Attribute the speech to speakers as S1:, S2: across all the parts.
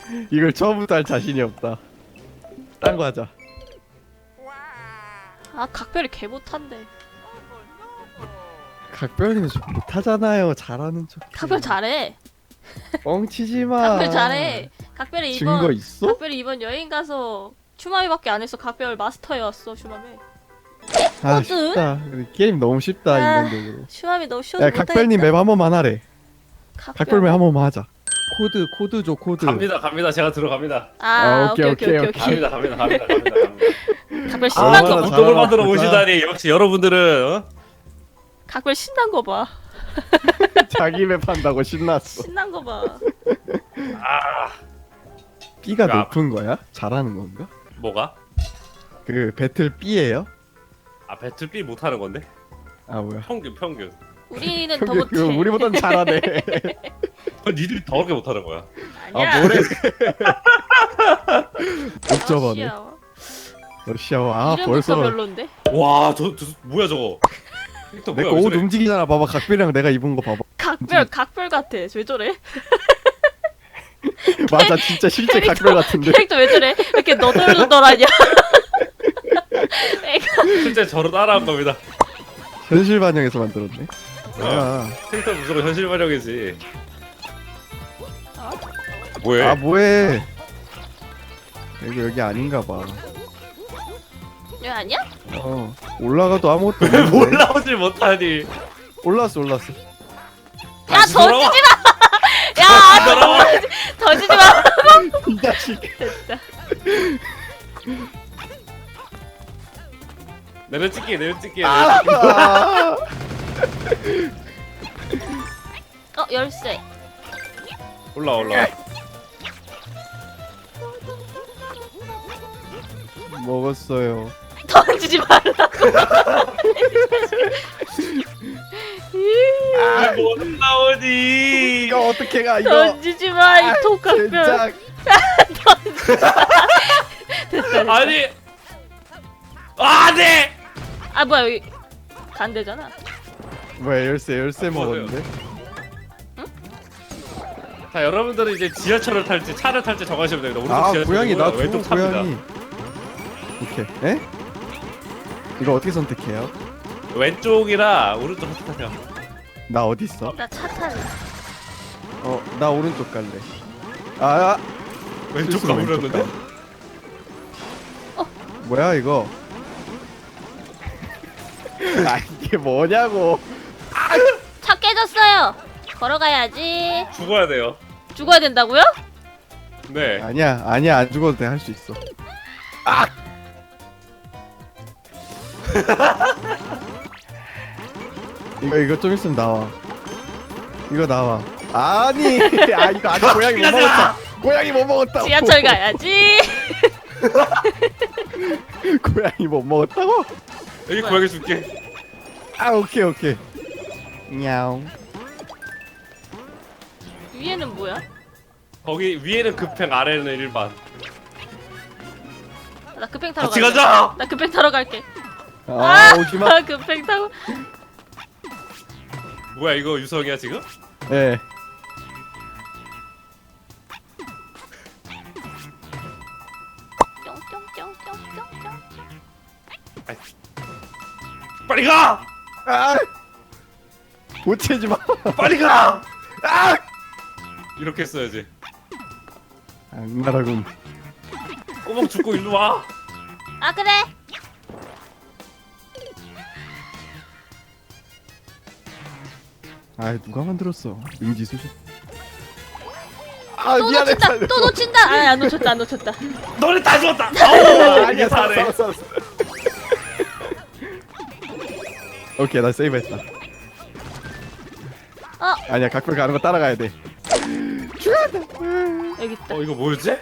S1: 이걸 처음부터 할 자신이 없다. 딴 거 하자.
S2: 아 각별이 개 못한데.
S1: 각별이는 좀 못하잖아요. 잘하는 척.
S2: 각별 잘해.
S1: 뻥치지 마.
S2: 각별 잘해. 각별이
S1: 증거
S2: 이번
S1: 있어?
S2: 각별이 이번 여행 가서 추마미밖에 안 했어. 각별 마스터였어 추마미.
S1: 아
S2: 코드?
S1: 쉽다. 게임 너무 쉽다
S2: 아,
S1: 인간적으로.
S2: 추마미 너무 쉬워서
S1: 야
S2: 못하겠다.
S1: 각별님 맵 한 번만 하래. 각별맵 한 번만 하자. 코드 줘 코드.
S3: 갑니다. 제가 들어갑니다.
S2: 아
S1: 오케이,
S2: 오케이.
S3: 갑니다.
S2: 각별 신난 거
S1: 얼마나
S2: 봐.
S1: 잘-
S3: 운동을 만들어
S1: 잘하나
S3: 오시다니 역시 여러분들은 어?
S2: 각별 신난 거 봐.
S1: 자기 맵 한다고 신났어.
S2: 신난 거 봐.
S1: B가
S3: 야.
S1: 높은 거야? 잘하는 건가?
S3: 뭐가?
S1: 그 배틀 B예요?
S3: 아 배틀 B 못하는 건데?
S1: 아 뭐야?
S3: 평균.
S2: 우리는 더 못해.
S1: 우리보단 잘하네.
S3: 니들이 더럽게 못하는 거야.
S2: 아니야.
S1: 아 뭐래?
S2: 아,
S1: 옥저버네.
S2: 씨야.
S1: 러시아워. 아
S2: 이름부터
S1: 벌써
S2: 별론데.
S3: 와, 저 뭐야 저거? 또
S1: 내
S3: 뭐야,
S1: 거
S3: 왜
S1: 옷
S3: 저래?
S1: 움직이잖아. 봐봐 각별이랑 내가 입은 거 봐봐.
S2: 각별 같아. 왜 저래?
S1: 맞아 진짜 실제
S2: 캐릭터-
S1: 각별 같은데.
S2: 캐릭터 왜 저래? 왜 이렇게 너덜너덜하냐? 애가
S3: 실제 저로 따라한 겁니다.
S1: 현실 반영해서 만들었네. 아,
S3: 캐릭터 무조건 현실 반영이지.
S2: 어?
S3: 뭐해?
S1: 아 뭐해? 여기 아닌가 봐.
S2: 왜 아니야?
S1: 올라가도 아무것도 없는데.
S3: 올라오질 못하니.
S1: 올랐어.
S2: 야
S3: 다시 돌아와.
S2: 던지지 마! 야
S3: 돌아와.
S2: 던지지 마!
S1: 이 자식.
S2: 됐다.
S3: 내려찍기.
S1: 아,
S2: 열쇠.
S3: 올라.
S1: 먹었어요.
S2: 던지지 말라고.
S3: 못 나오니.
S1: 이거 어떻게 가 이거?
S2: 던지지 마, 이 독각별.
S1: 진짜.
S2: 됐다.
S3: 아니. 아, 네.
S2: 아 뭐야 여기 간대잖아.
S1: 뭐야 열쇠 먹었는데?
S3: 자, 여러분들은 이제 지하철을 탈지 차를 탈지 정하시면 됩니다. 오른쪽
S1: 아
S3: 지하철이고요,
S1: 고양이 나
S3: 왼쪽
S1: 좋은
S3: 차입니다.
S1: 고양이. 오케이. 에? 이거 어떻게 선택해요?
S3: 왼쪽이라 오른쪽 선택하세요.
S1: 나 어디 있어?
S2: 나 차 탈래.
S1: 나 오른쪽 갈래. 아,
S3: 왼쪽
S1: 실수로
S3: 가버렸는데?
S1: 가. 뭐야 이거? 아 이게 뭐냐고?
S2: 차 깨졌어요. 걸어가야지.
S3: 죽어야 돼요.
S2: 죽어야 된다고요?
S3: 네.
S1: 아니야 안 죽어도 돼 할 수 있어. 이거 좀 있으면 나와. 이거 나와. 아니 이거 아직 고양이 못 먹었다. 고양이 못 먹었다.
S2: 지하철 가야지.
S1: 고양이 못 먹었다고?
S3: 여기 고양이 줄게.
S1: 아 오케이. 냐옹.
S2: 위에는 뭐야?
S3: 거기 위에는 급행, 아래는 일반.
S2: 나 급행 타러
S3: 같이
S2: 갈게.
S3: 가자.
S2: 나 급행 타러 갈게.
S1: 오지마.
S2: 급행 타고.
S3: 뭐야 이거 유성이야 지금?
S1: 예.
S2: 뿅뿅뿅뿅뿅뿅.
S3: 빨리 가!
S1: 아! 보채지 마.
S3: 빨리 가!
S1: 아!
S3: 이렇게 했어야지.
S1: 악랄하군.
S3: 꼬박 죽고 일로 와.
S2: 아 그래.
S1: 아 누가 만들었어? 응지수지. 아
S2: 또
S1: 미안해.
S2: 놓친다.
S1: 살려줘.
S2: 또 놓친다. 안 놓쳤다.
S3: 너네 다 죽었다. 아우 이게 잘해.
S1: 살았어. 오케이 나 세이브했다. 아니야 각별 가는 거 따라가야 돼.
S2: 여기 있다.
S3: 이거 뭐였지?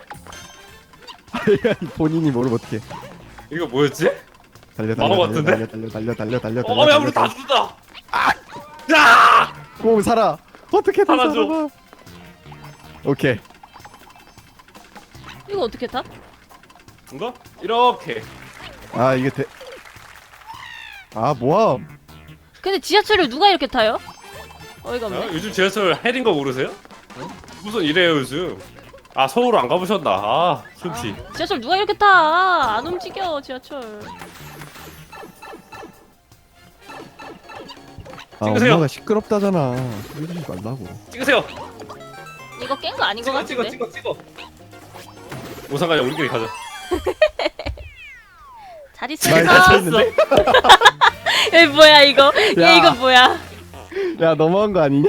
S1: 본인이 모르면 어떡해.
S3: 이거 뭐였지?
S1: 달려
S3: 망한 것 같은데?
S1: 달려.
S3: 야 우리 다 죽는다. 야!
S1: 공 살아. 어떻게 다
S3: 살아줘.
S1: 살아? 오케이.
S2: 이거 어떻게 타?
S3: 이거 이렇게.
S1: 아 이게 돼. 아 뭐야?
S2: 근데 지하철을 누가 이렇게 타요? 어이가 없네.
S3: 요즘 지하철 해린 거 모르세요? 무슨 이래요 요즘? 아 서울 안 가보셨나? 아 숨쉬.
S2: 지하철 누가 이렇게 타? 안 움직여 지하철.
S1: 아
S3: 찍으세요.
S1: 엄마가 시끄럽다잖아. 소리 지르지 말라고.
S3: 찍으세요.
S2: 이거 깬 거 아닌 거 같은데?
S3: 찍어. 우상가자 우리끼리 가자.
S2: 잘
S1: 말
S2: 있어.
S1: 닫혀있는데?
S2: 얘 뭐야 이거?
S1: 야.
S2: 얘 이거 뭐야?
S1: 야 너무한 거 아니냐?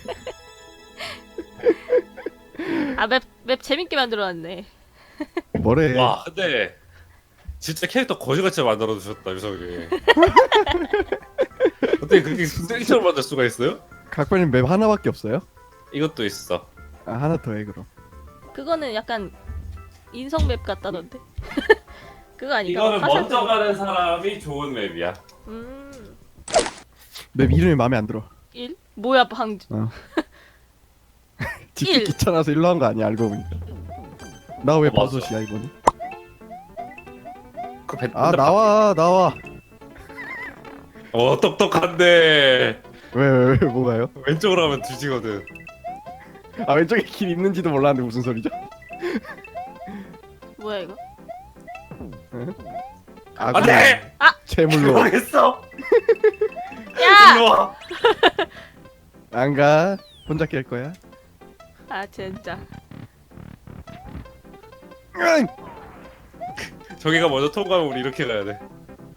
S2: 아 맵 재밌게 만들어놨네.
S1: 뭐래?
S3: 와 근데 진짜 캐릭터 거지같이 만들어 주셨다 유성이. 어떻게 그렇게 쓰레기처럼 만들 수가 있어요?
S1: 각별님 맵 하나밖에 없어요?
S3: 이것도 있어.
S1: 아 하나 더 해 그럼.
S2: 그거는 약간 인성 맵 같다던데. 그거 아닌가?
S3: 이거는
S2: 화살
S3: 먼저 가는 사람이 좋은 맵이야.
S1: 맵 이름이 마음에 안 들어.
S2: 1? 뭐야 방
S1: 짓기
S2: 일.
S1: 귀찮아서 일로 한 거 아니야 알고 보니까. 나 왜
S3: 맞아.
S1: 버섯이야 이거는?
S3: 그 배,
S1: 아 나와.
S3: 똑똑한데
S1: 왜 뭐가요?
S3: 왼쪽으로 가면 뒤지거든.
S1: 아 왼쪽에 길 있는지도 몰랐는데 무슨 소리죠?
S2: 뭐야 이거?
S1: 아
S3: 안돼.
S1: 재물로
S3: 모르겠어.
S2: 야!
S3: 일로 와.
S1: 안 가. 혼자 깰 거야.
S2: 아 진짜.
S1: 응!
S3: 저기가 먼저 통과하면 우리 이렇게 가야 돼.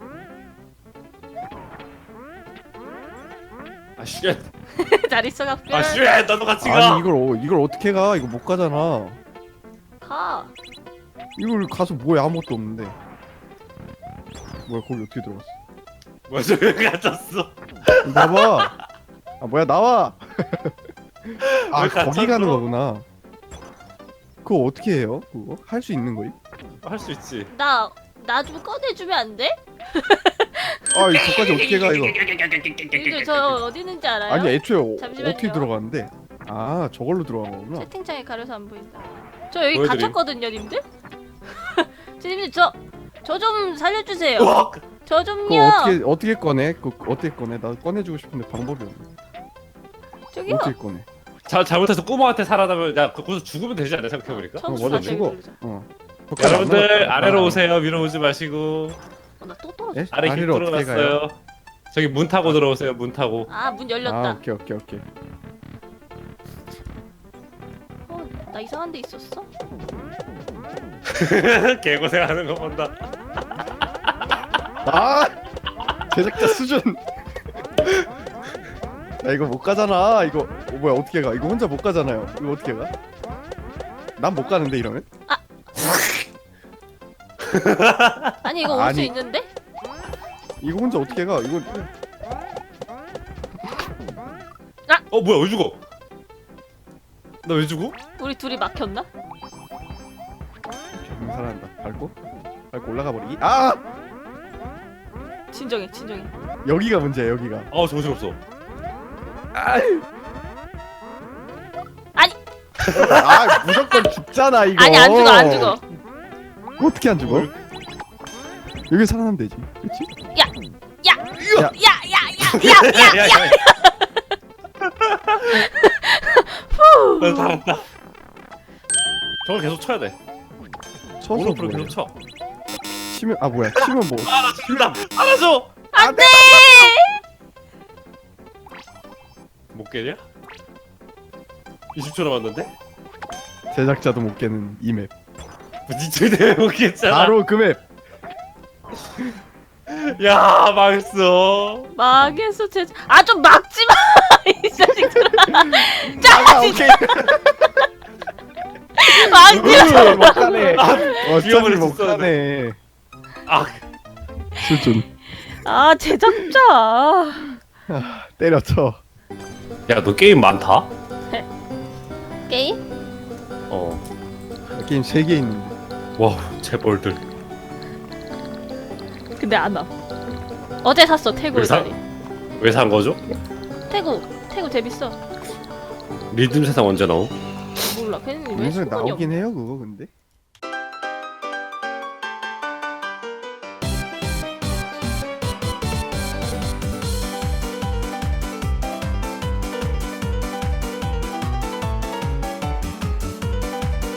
S3: 아 쉣.
S2: 잘 있어 각별.
S3: 아 쉣. 나도 같이 가.
S1: 아니 이걸 어떻게 가? 이거 못 가잖아.
S2: 가.
S1: 이걸 가서 뭐야 아무것도 없는데. 뭐야 거기 어떻게 들어갔어?
S3: 뭐야 저기 갇혔어.
S1: 나봐. 아 뭐야 나와. 아
S3: 왜
S1: 거기
S3: 갇혔어?
S1: 가는 거구나. 그거 어떻게 해요? 그거 할 수 있는 거임?
S3: 할 수 있지.
S2: 나 좀 꺼내주면 안 돼?
S1: 아 저까지 어떻게 가 이거?
S2: 이거 저 어디 있는지 알아요?
S1: 아니 애초에
S2: 잠시만요.
S1: 어떻게 들어가는데? 아 저걸로 들어간 거구나.
S2: 채팅창에 가려서 안 보인다. 저 여기
S3: 보여드림.
S2: 갇혔거든요, 님들. 님들 저 좀 살려주세요.
S3: 우와.
S2: 저
S1: 그거
S2: 좀요.
S1: 어떻게 꺼내? 그거 어떻게 꺼내? 나 꺼내주고 싶은데 방법이 없네.
S2: 저기요.
S1: 어떻게 꺼내?
S3: 잘못해서 꼬마한테 살아나면 야 거기서 죽으면 되지 않나 생각해보니까.
S2: 청수
S1: 먼저
S2: 사태
S1: 죽어.
S2: 누르자.
S3: 여러분들 아래로 오세요. 위로 오지 마시고
S2: 나 또 떨어져.
S1: 에?
S3: 아래 길
S1: 아래로 어떻게 가요?
S3: 뚫어놨어요. 저기 문 타고 들어오세요. 문 타고.
S2: 아, 문
S1: 아
S2: 열렸다.
S1: 오케이.
S2: 나 이상한 데 있었어?
S3: 개고생하는 거 본다.
S1: 아 제작자 수준. 야 이거 못 가잖아. 이거 뭐야 어떻게 가? 이거 혼자 못 가잖아요. 이거 어떻게 가? 난 못 가는데 이러면?
S2: 아니 이거 올 수
S1: 아니.
S2: 있는데?
S1: 이거 혼자 어떻게 가? 이거
S3: 뭐야 왜 죽어? 나 왜 죽어?
S2: 우리 둘이 막혔나?
S1: 살아난다. 밟고 올라가 버리기. 아
S2: 진정해.
S1: 여기가 문제야 여기가.
S3: 정신 없어.
S2: 아니
S1: 아 무조건 죽잖아 이거.
S2: 아니 안 죽어.
S1: 어떻게 안 죽어? 여기 살아나면 되지. 그렇지?
S2: 야야야야야야야.
S3: 나 살았다. 저걸 계속 쳐야 돼.
S1: 쳐서
S3: 오른쪽으로
S1: 뭐해?
S3: 계속 쳐.
S1: 치면 아 뭐야? 치면 뭐?
S3: 나 죽는다. 알아줘.
S2: 안돼.
S3: 못 깨냐? 20초 남았는데?
S1: 제작자도 못 깨는 이 맵.
S3: 니들 못 깼잖아.
S1: 바로 그 맵.
S3: 야 망했어.
S2: 망했어 좀 막지 마. 이 자식들아.
S1: 아 오케이.
S2: 막지 마.
S1: 못 가네. 어차피
S3: 위험을
S1: 못
S3: 했었는데.
S1: 가네.
S3: 아
S1: 수준.
S2: 아 제작자.
S1: 때려쳐.
S3: 야 너 게임 많다?
S2: 게임?
S1: 게임 3개 있는데.
S3: 와 재벌들.
S2: 근데 안 와. 어제 샀어 태구
S3: 왜 사?
S2: 다리.
S3: 왜 산 거죠?
S2: 태구 재밌어.
S3: 리듬 세상 언제 나오?
S2: 몰라. 걔는 왜
S1: 영상에
S2: 수건이 없?
S1: 나오긴 해요 그거 근데.